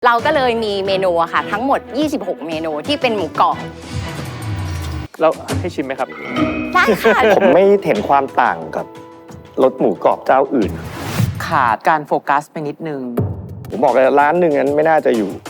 เราก็เลยมีเมนูอะค่ะทั้งหมด26เมนูที่เป็นหมูกรอบแล้วให้ชิมไหมครับได้ค่ะผมไม่เห็นความต่างกับรสหมูกรอบเจ้าอื่นขาดการโฟกัสไปนิดนึงผมบอกเลยร้านหนึ่งนั้นไม่น่าจะอยู่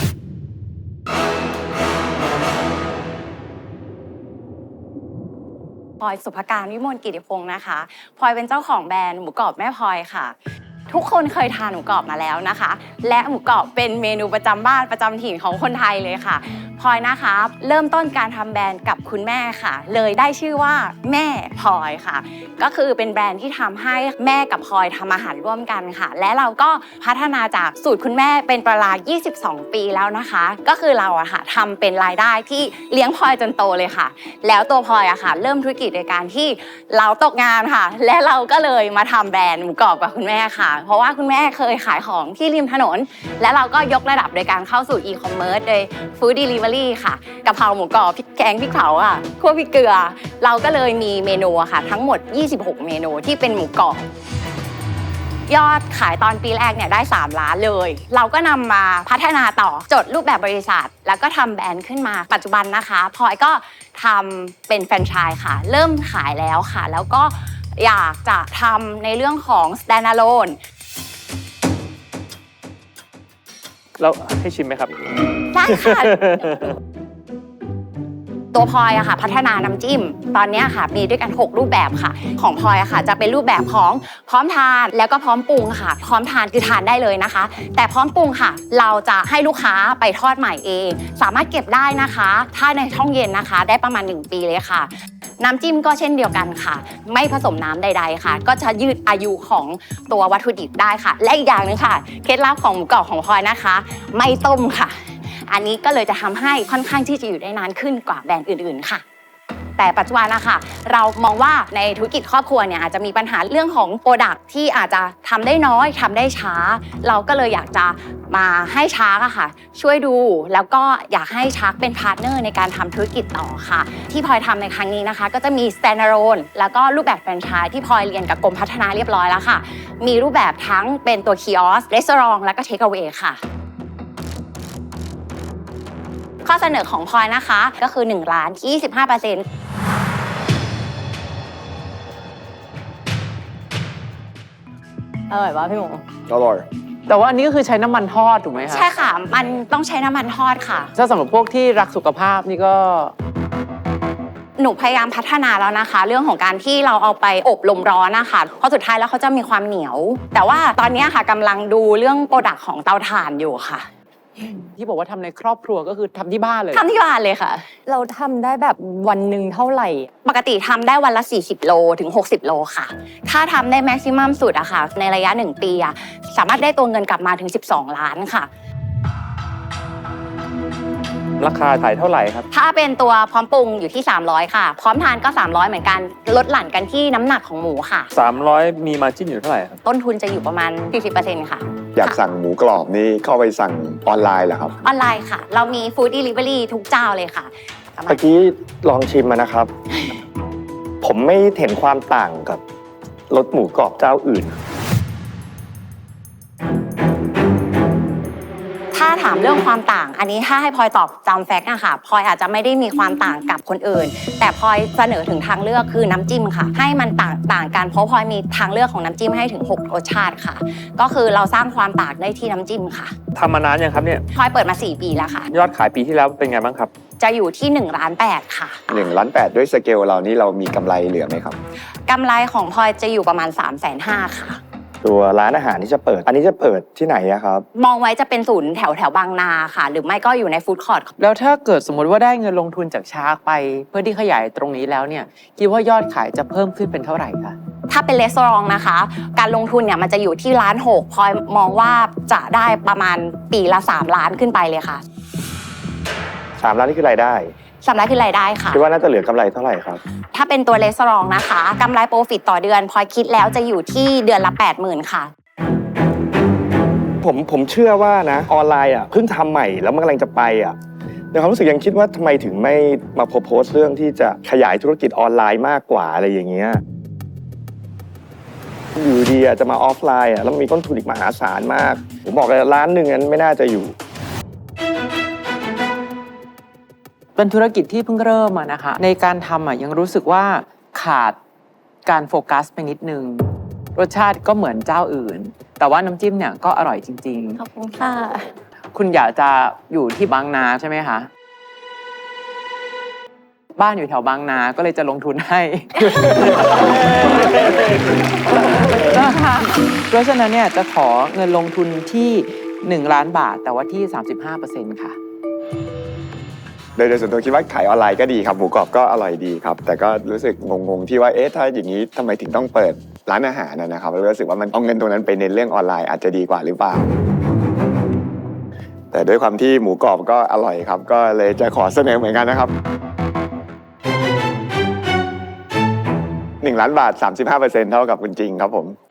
พลอยสุภการวิมลกิติพงศ์นะคะพลอยเป็นเจ้าของแบรนด์หมูกรอบแม่พลอยค่ะทุกคนเคยทานหมูกรอบมาแล้วนะคะและหมูกรอบเป็นเมนูประจำบ้านประจำถิ่นของคนไทยเลยค่ะพลอยนะคะเริ่มต้นการทำแบรนด์กับคุณแม่ค่ะเลยได้ชื่อว่าแม่พลอยค่ะก็คือเป็นแบรนด์ที่ทำให้แม่กับพลอยทำอาหารร่วมกันค่ะและเราก็พัฒนาจากสูตรคุณแม่เป็นเวลา22 ปีแล้วนะคะก็คือเราอะค่ะทำเป็นรายได้ที่เลี้ยงพลอยจนโตเลยค่ะแล้วตัวพลอยอะค่ะเริ่มธุรกิจโดยการที่เราตกงานค่ะและเราก็เลยมาทำแบรนด์หมูกรอบกับคุณแม่ค่ะเพราะว่าคุณแม่เคยขายของที่ริมถนนและเราก็ยกระดับโดยการเข้าสู่อีคอมเมิร์ซโดยฟู้ดเดลิเวอรี่ค่ะกะเพราหมูกรอบพริกแกงพริกเผาอ่ะคั่วพริกเกลือเราก็เลยมีเมนูอะค่ะทั้งหมด26เมนูที่เป็นหมูกรอบยอดขายตอนปีแรกเนี่ยได้3 ล้านเลยเราก็นำมาพัฒนาต่อจดรูปแบบบริษัทแล้วก็ทำแบรนด์ขึ้นมาปัจจุบันนะคะพลอยก็ทำเป็นแฟรนไชส์ค่ะเริ่มขายแล้วค่ะแล้วก็อยากจะทำในเรื่องของ standalone แล้วให้ชิมไหมครับได้ค่ะ ตัวพลอยอะค่ะพัฒนาน้ำจิ้มตอนนี้ค่ะมีด้วยกัน6รูปแบบค่ะของพลอยอะค่ะจะเป็นรูปแบบของพร้อมทานแล้วก็พร้อมปรุงค่ะพร้อมทานคือทานได้เลยนะคะแต่พร้อมปรุงค่ะเราจะให้ลูกค้าไปทอดใหม่เองสามารถเก็บได้นะคะถ้าในช่องเย็นนะคะได้ประมาณ1 ปีเลยค่ะน้ำจิ้มก็เช่นเดียวกันค่ะไม่ผสมน้ำใดๆค่ะก็จะยืดอายุของตัววัตถุดิบได้ค่ะและอีกอย่างนึงค่ะเคล็ดลับของหมูกรอบของพลอยนะคะไม่ต้มค่ะอันนี้ก็เลยจะทำให้ค่อนข้างที่จะอยู่ได้นานขึ้นกว่าแบรนด์อื่นๆค่ะแต่ปัจจุบันนะคะเรามองว่าในธุรกิจครอบครัวเนี่ยอาจจะมีปัญหาเรื่องของโปรดักที่อาจจะทำได้น้อยทำได้ช้าเราก็เลยอยากจะมาให้ชาร์กอะค่ะช่วยดูแล้วก็อยากให้ชาร์กเป็นพาร์ทเนอร์ในการทำธุรกิจต่อค่ะที่พลอยทำในครั้งนี้นะคะก็จะมี standalone แล้วก็รูปแบบแฟรนไชส์ที่พลอยเรียนกับกรมพัฒนาเรียบร้อยแล้วค่ะมีรูปแบบทั้งเป็นตัวคิออสรีสอร์ทแล้วก็เทคเอาเวย์ค่ะข้อเสนอของพลอยนะคะก็คือ1 ล้าน 25%อร่อยป่ะพี่หมูอร่อยแต่ว่าอันนี้ก็คือใช้น้ำมันทอดถูกไหมคะใช่ค่ะมันต้องใช้น้ำมันทอดค่ะถ้าสำหรับพวกที่รักสุขภาพนี่ก็หนูพยายามพัฒนาแล้วนะคะเรื่องของการที่เราเอาไปอบลมร้อนนะคะเพราะสุดท้ายแล้วเขาจะมีความเหนียวแต่ว่าตอนนี้ค่ะกำลังดูเรื่องโปรดักต์ของเตาถ่านอยู่ค่ะที่บอกว่าทำในครอบครัวก็คือทำที่บ้านเลยทำที่บ้านเลยค่ะเราทำได้แบบวันหนึ่งเท่าไหร่ปกติทำได้วันละ40 โลถึง60 โลค่ะถ้าทำได้แม็กซิมัมสุดอะค่ะในระยะ1 ปีอะสามารถได้ตัวเงินกลับมาถึง12 ล้านค่ะราคาขายเท่าไหร่ครับถ้าเป็นตัวพร้อมปรุงอยู่ที่300ค่ะพร้อมทานก็300เหมือนกันลดหลั่นกันที่น้ำหนักของหมูค่ะ 300มีมาร์จิ้นอยู่เท่าไหร่ครับต้นทุนจะอยู่ประมาณ 40% ค่ะอยากสั่งหมูกรอบนี่เข้าไปสั่งออนไลน์เหรอครับออนไลน์ค่ะเรามีฟู้ดเดลิเวอรี่ทุกเจ้าเลยค่ะเมื่อกี้ลองชิมมานะครับ ผมไม่เห็นความต่างกับรสหมูกรอบเจ้าอื่นถ้าถามเรื่องความต่างอันนี้ถ้าให้พลอยตอบตามแฟกต์อะค่ะพลอยอาจจะไม่ได้มีความต่างกับคนอื่นแต่พลอยเสนอถึงทางเลือกคือน้ำจิ้มค่ะให้มันต่างกันเพราะพลอยมีทางเลือกของน้ำจิ้มให้ถึง6 รสชาติค่ะก็คือเราสร้างความต่างได้ที่น้ำจิ้มค่ะทำมานานยังครับเนี่ยพลอยเปิดมา4 ปีแล้วค่ะยอดขายปีที่แล้วเป็นไงบ้างครับจะอยู่ที่1 ล้าน 8ค่ะ 1 ล้าน 8ด้วยสเกลเรานี่เรามีกำไรเหลือไหมครับกำไรของพลอยจะอยู่ประมาณ350,000ค่ะตัวร้านอาหารที่จะเปิดอันนี้จะเปิดที่ไหนอะครับมองไว้จะเป็นศูนย์แถวบางนาค่ะหรือไม่ก็อยู่ในฟู้ดคอร์ทแล้วถ้าเกิดสมมติว่าได้เงินลงทุนจากชาร์กไปเพื่อที่ขยายตรงนี้แล้วเนี่ยคิดว่ายอดขายจะเพิ่มขึ้นเป็นเท่าไหร่คะถ้าเป็นรีสอร์ทนะคะการลงทุนเนี่ยมันจะอยู่ที่1.6 ล้านพลอยมองว่าจะได้ประมาณปีละ3 ล้านขึ้นไปเลยค่ะ 3 ล้านนี่คือรายได้ 3 ล้านคือรายได้ค่ะคิดว่าน่าจะเหลือกำไรเท่าไหร่ครับถ้าเป็นตัวรีสอร์ทนะคะกำไรโปรฟิตต่อเดือนพลอยคิดแล้วจะอยู่ที่เดือนละ 80,000 ค่ะผมเชื่อว่านะออนไลน์อ่ะเพิ่งทำใหม่แล้วมันกำลังจะไปอ่ะในความรู้สึกยังคิดว่าทำไมถึงไม่มาโพสต์เรื่องที่จะขยายธุรกิจออนไลน์มากกว่าอะไรอย่างเงี้ยอยู่ดีจะมาออฟไลน์อ่ะแล้วมีต้นทุนอีกมหาศาลมากผมบอกเลยร้านหนึ่งนั้นไม่น่าจะอยู่เป็นธุรกิจที่เพิ่งเริ่มอะนะคะ ในการทำอะยังรู้สึกว่าขาดการโฟกัสไปนิดนึง รสชาติก็เหมือนเจ้าอื่น แต่ว่าน้ำจิ้มเนี่ยก็อร่อยจริงขอบคุณค่ะๆ คุณอยากจะอยู่ที่บางนาใช่ไหมคะ บ้านอยู่แถวบางนาก็เลยจะลงทุนให้ นะคะเพราะฉะนั้นเนี่ยจะขอเงินลงทุนที่1 ล้านบาท แต่ว่าที่ 35% ค่ะโดยส่วนตัวคิดว่าขายออนไลน์ก็ดีครับหมูกรอบก็อร่อยดีครับแต่ก็รู้สึกงงๆที่ว่าเอ๊ะถ้าอย่างนี้ทำไมถึงต้องเปิดร้านอาหารนะครับแล้วรู้สึกว่ามันเอาเงินตรงนั้นไปเน้นเรื่องออนไลน์อาจจะดีกว่าหรือเปล่าแต่ด้วยความที่หมูกรอบก็อร่อยครับก็เลยจะขอเสนอเหมือนกันนะครับ1 ล้านบาท 35%เท่ากับคุณจริงครับผม